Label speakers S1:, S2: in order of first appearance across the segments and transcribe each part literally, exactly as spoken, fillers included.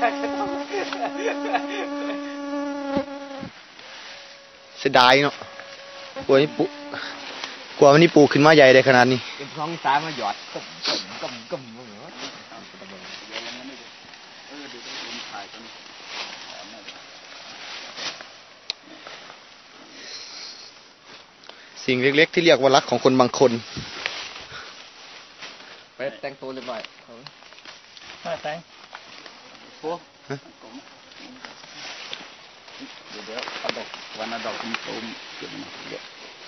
S1: เสียดายเนาะกลัวนี่ปุกลัวมันนี่ปูขึ้นมาใหญ่ได้ขนาดนี้
S2: เป็นท้องซ้ายมาหยอดกึ่มกึ่มกึ่มกึ่มเหรอ
S1: สิ่งเล็กๆที่เรียกว่ารักของคนบางคน
S2: ไปแต่งตัวเรียบร้อยมาแต่งโอ้เดี๋ยวเดี๋ยวเอาดอกวันเอาดอกตุ้มๆเก็บมาเยอะ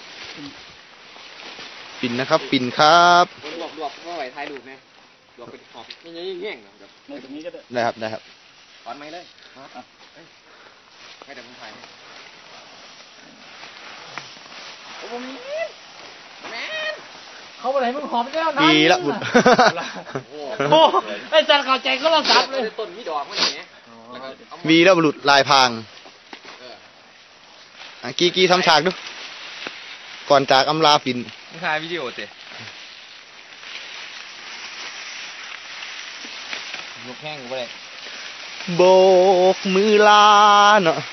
S1: ปิ่นนะครับปิ่นครับ
S2: รวบรวบก็ไหวถ่ายรูปไหมรวบเป็นหอบนี่ยังแง่งนะแบบในตรงนี้ก็ได้
S1: ได้ครับได้ครับ
S2: ถอนไม้เลยให้แต่ผมถ่ายโอ้โหแม่เขาไปไหนมึงหอมแล้วนะ
S1: ดีละบุญ
S2: โอ้ไอ้จันเข้าใจก็เราซับเลยต้นมีดอกมันอย่างเงี้ย
S1: วีแล้วบุรุษลายพางอ่ะกี้กี้ทำฉากดูก่อนจากอำลาปิ่น
S2: มึงถ่ายวิดีโอเตะยกแห้งกูไปเลย
S1: โบกมือลาเนาะ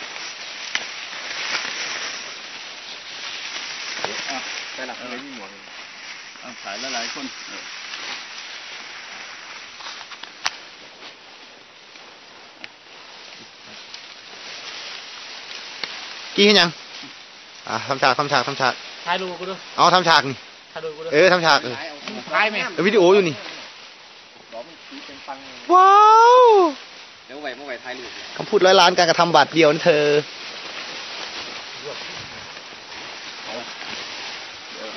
S2: ไปหลับเลยมีหมวกถ่ายหลายๆคน
S1: กี้เห็นยังอ่ะทำฉากทำฉากทำฉาก
S2: ถ่ายรูปกูดู
S1: เอาทำฉากนี่เออทำฉากเออ
S2: ถ่ายไหม
S1: วิดีโออยู่นี่ว้าว
S2: เดี๋ยวไหวเมื่อไหวถ่ายรูป
S1: คำพูดร้อยล้านการกระทำบาทเดียวนั่นเธอ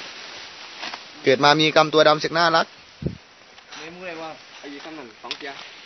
S1: เกิดมามีกรรมตัวดำเสกน่ารัก
S2: ไม่รู้เลยว่าไอ้ยี่คำหนึ่งสองเจีย